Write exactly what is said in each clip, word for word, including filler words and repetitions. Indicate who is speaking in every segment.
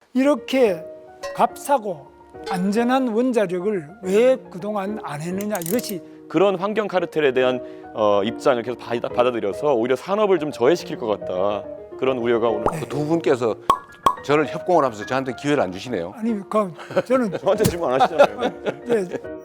Speaker 1: 이렇게 값싸고 안전한 원자력을 왜 그동안 안 했느냐, 이것이
Speaker 2: 그런 환경 카르텔에 대한 어, 입장을 계속 받아, 받아들여서 오히려 산업을 좀 저해시킬 것 같다. 그런 우려가 오늘
Speaker 3: 그 두 분께서 저를 협공을 하면서 저한테 기회를 안 주시네요.
Speaker 1: 아니 그 저는
Speaker 2: 저한테 질문 안 하시잖아요.
Speaker 1: 예,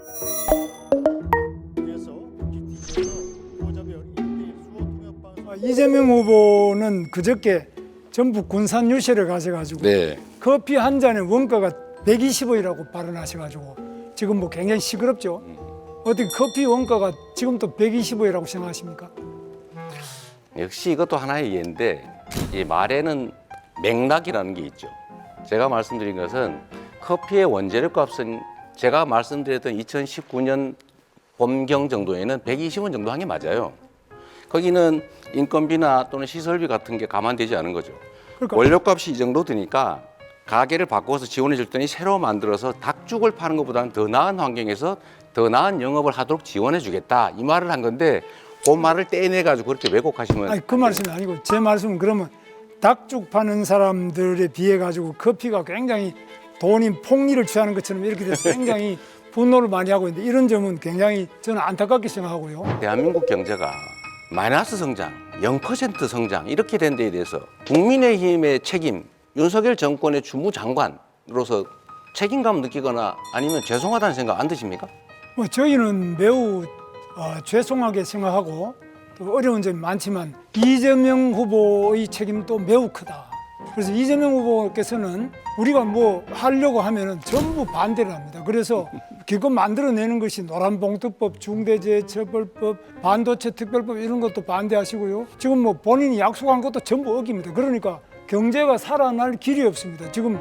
Speaker 1: 이재명 후보는 그저께 전북 군산 유실에 가셔가지고
Speaker 3: 네.
Speaker 1: 커피 한 잔의 원가가 백이십 원이라고 발언하셔가지고 지금 뭐 굉장히 시끄럽죠. 어떻게 커피 원가가 지금 또 백이십 원이라고 생각하십니까?
Speaker 3: 역시 이것도 하나의 예인데 이 말에는 맥락이라는 게 있죠. 제가 말씀드린 것은 커피의 원재료 값은 제가 말씀드렸던 이천십구 년 봄경 정도에는 백이십 원 정도 한 게 맞아요. 거기는 인건비나 또는 시설비 같은 게 감안되지 않은 거죠.
Speaker 1: 그러니까
Speaker 3: 원료값이 이 정도 드니까 가게를 바꿔서 지원해 줄 때니 새로 만들어서 닭죽을 파는 것보다는 더 나은 환경에서 더 나은 영업을 하도록 지원해 주겠다, 이 말을 한 건데 그 말을 떼내 가지고 그렇게 왜곡하시면
Speaker 1: 아니 그 말씀이 아니고 제 말씀은 그러면 닭죽 파는 사람들에 비해 가지고 커피가 굉장히 돈이 폭리를 취하는 것처럼 이렇게 돼서 굉장히 분노를 많이 하고 있는데, 이런 점은 굉장히 저는 안타깝게 생각하고요.
Speaker 3: 대한민국 경제가 마이너스 성장, 영 퍼센트 성장 이렇게 된 데에 대해서 국민의힘의 책임, 윤석열 정권의 주무장관으로서 책임감 느끼거나 아니면 죄송하다는 생각 안 드십니까?
Speaker 1: 뭐 저희는 매우 어, 죄송하게 생각하고 또 어려운 점이 많지만 이재명 후보의 책임도 매우 크다. 그래서 이재명 후보께서는 우리가 뭐 하려고 하면은 전부 반대를 합니다. 그래서 기껏 만들어내는 것이 노란봉투법, 중대재해처벌법, 반도체 특별법 이런 것도 반대하시고요. 지금 뭐 본인이 약속한 것도 전부 어깁니다. 그러니까 경제가 살아날 길이 없습니다. 지금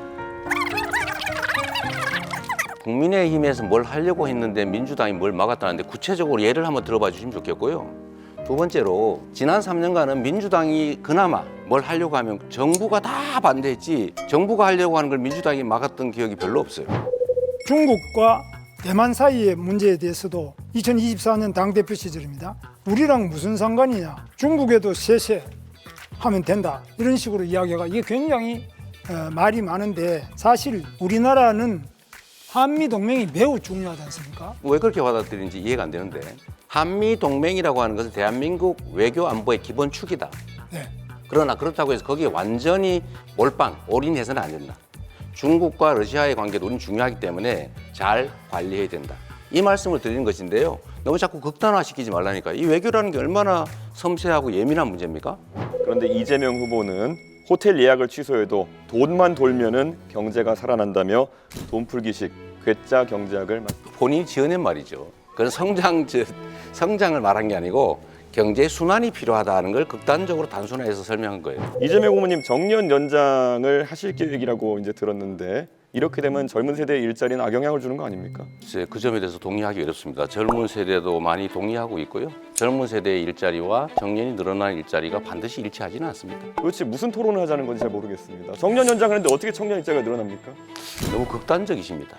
Speaker 3: 국민의힘에서 뭘 하려고 했는데 민주당이 뭘 막았다는데 구체적으로 예를 한번 들어봐 주시면 좋겠고요. 두 번째로 지난 삼 년간은 민주당이 그나마 뭘 하려고 하면 정부가 다 반대했지 정부가 하려고 하는 걸 민주당이 막았던 기억이 별로 없어요.
Speaker 1: 중국과 대만 사이의 문제에 대해서도 이천이십사 년 당대표 시절입니다. 우리랑 무슨 상관이냐, 중국에도 셋세 하면 된다, 이런 식으로 이야기가, 이게 굉장히 어, 말이 많은데 사실 우리나라는 한미동맹이 매우 중요하지 않습니까?
Speaker 3: 왜 그렇게 받아들이는지 이해가 안 되는데 한미동맹이라고 하는 것은 대한민국 외교 안보의 기본축이다.
Speaker 1: 네.
Speaker 3: 그러나 그렇다고 해서 거기에 완전히 몰빵, 올인해서는 안 된다. 중국과 러시아의 관계도 우리는 중요하기 때문에 잘 관리해야 된다. 이 말씀을 드리는 것인데요. 너무 자꾸 극단화시키지 말라니까. 이 외교라는 게 얼마나 섬세하고 예민한 문제입니까?
Speaker 2: 그런데 이재명 후보는 호텔 예약을 취소해도 돈만 돌면은 경제가 살아난다며 돈풀기식 괴짜 경제학을
Speaker 3: 본인이 지어낸 말이죠. 그건 성장, 성장을 말한 게 아니고 경제 순환이 필요하다는 걸 극단적으로 단순화해서 설명한 거예요.
Speaker 2: 이재명 후보님 정년 연장을 하실 계획이라고 이제 들었는데 이렇게 되면 젊은 세대의 일자리는 악영향을 주는 거 아닙니까?
Speaker 3: 글쎄, 그 점에 대해서 동의하기 어렵습니다. 젊은 세대도 많이 동의하고 있고요. 젊은 세대의 일자리와 정년이 늘어나는 일자리가 반드시 일치하지는 않습니다.
Speaker 2: 도대체 무슨 토론을 하자는 건지 잘 모르겠습니다. 정년 연장을 했는데 어떻게 청년 일자리가 늘어납니까?
Speaker 3: 너무 극단적이십니다.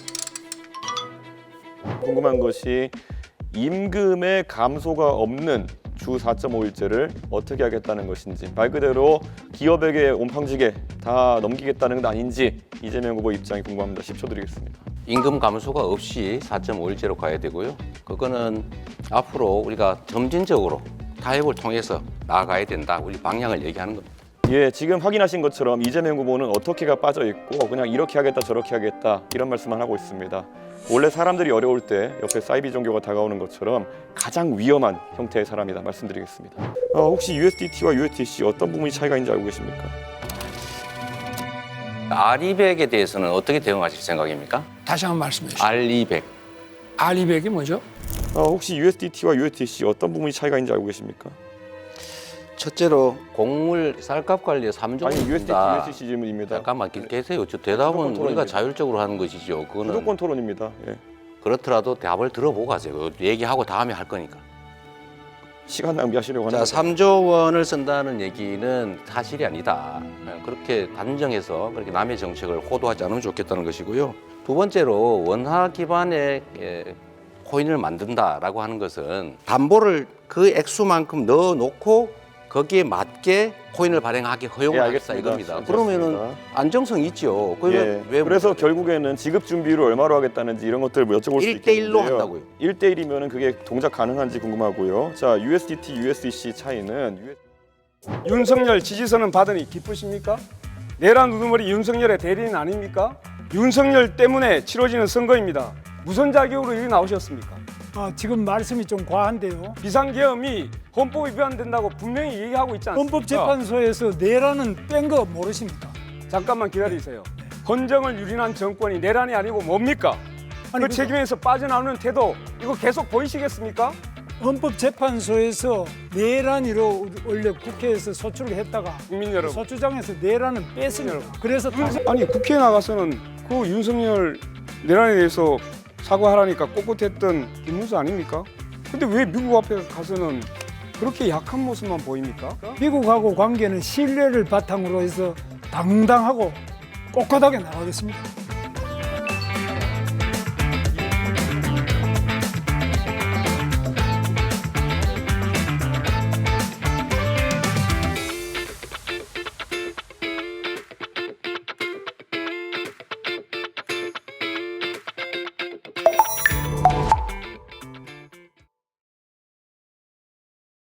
Speaker 2: 궁금한 것이 임금의 감소가 없는 주 사 점 오 일제를 어떻게 하겠다는 것인지, 말 그대로 기업에게 온팡지게 다 넘기겠다는 건 아닌지 이재명 후보 입장이 궁금합니다. 십 초 드리겠습니다.
Speaker 3: 임금 감소가 없이 사 점 오 일제로 가야 되고요. 그거는 앞으로 우리가 점진적으로 타협을 통해서 나아가야 된다. 우리 방향을 얘기하는 겁니다.
Speaker 2: 예, 지금 확인하신 것처럼 이재명 후보는 어떻게가 빠져 있고 그냥 이렇게 하겠다 저렇게 하겠다 이런 말씀만 하고 있습니다. 원래 사람들이 어려울 때 옆에 사이비 종교가 다가오는 것처럼 가장 위험한 형태의 사람이다 말씀드리겠습니다. 어, 혹시 유에스디티와 유에스디씨 어떤 부분이 차이가 있는지 알고 계십니까?
Speaker 3: 알이백에 대해서는 어떻게 대응하실 생각입니까?
Speaker 1: 다시 한번 말씀해 주시죠.
Speaker 3: 알이백.
Speaker 1: 알이백이 뭐죠?
Speaker 2: 어, 혹시 유에스디티와 유에스디씨 어떤 부분이 차이가 있는지 알고 계십니까?
Speaker 3: 첫째로 곡물 쌀값 관리에 삼 종
Speaker 2: 아니 유에스디티,
Speaker 3: 준다.
Speaker 2: 유에스디씨 질문입니다.
Speaker 3: 잠깐만 계세요. 저 대답은
Speaker 2: 토론입니다.
Speaker 3: 우리가 자율적으로 하는 것이죠. 그거는
Speaker 2: 주도권 토론입니다. 예.
Speaker 3: 그렇더라도 답을 들어보고 가세요. 얘기하고 다음에 할 거니까.
Speaker 2: 시간 낭비하시려고 하는
Speaker 3: 자,
Speaker 2: 거죠.
Speaker 3: 삼조 원을 쓴다는 얘기는 사실이 아니다. 그렇게 단정해서 그렇게 남의 정책을 호도하지 않으면 좋겠다는 것이고요. 두 번째로 원화 기반의 예, 코인을 만든다라고 하는 것은 담보를 그 액수만큼 넣어놓고 거기에 맞게 코인을 발행하기
Speaker 2: 예,
Speaker 3: 허용을 하겠다
Speaker 2: 알겠습니다.
Speaker 3: 이겁니다.
Speaker 2: 알겠습니다.
Speaker 3: 그러면은 안정성 있죠. 그러면
Speaker 2: 예.
Speaker 3: 왜
Speaker 2: 그래서 결국에는 지급 준비율을 얼마로 하겠다는지 이런 것들을 뭐 여쭤볼 수
Speaker 3: 일 대 일로
Speaker 2: 있겠는데요.
Speaker 3: 한다고요?
Speaker 2: 일 대 일이면은 그게 동작 가능한지 궁금하고요. 자, 유에스디티, 유에스디씨 차이는 유-
Speaker 4: 윤석열 지지선은 받으니 기쁘십니까? 내란 우두머리 윤석열의 대리인 아닙니까? 윤석열 때문에 치러지는 선거입니다. 무슨 자격으로 여기 나오셨습니까?
Speaker 1: 아, 지금 말씀이 좀 과한데요.
Speaker 4: 비상계엄이 헌법 위반된다고 분명히 얘기하고 있지 않습니까?
Speaker 1: 헌법재판소에서 내라는 뺀 거 모르십니까?
Speaker 4: 잠깐만 기다리세요. 헌정을 유린한 정권이 내란이 아니고 뭡니까?
Speaker 1: 아니,
Speaker 4: 그
Speaker 1: 그거-
Speaker 4: 책임에서 빠져나오는 태도 이거 계속 보이시겠습니까?
Speaker 1: 헌법재판소에서 내란으로 원래 국회에서 소추를 했다가
Speaker 4: 국민 여러분.
Speaker 1: 소추장에서 내란은 뺐습니다. 그래서 다
Speaker 4: 아니 국회에 나가서는 그 윤석열 내란에 대해서 사과하라니까 꼿꼿했던 김문수 아닙니까? 근데 왜 미국 앞에 가서는 그렇게 약한 모습만 보입니까?
Speaker 1: 미국하고 관계는 신뢰를 바탕으로 해서 당당하고 꼿꼿하게 나가겠습니다.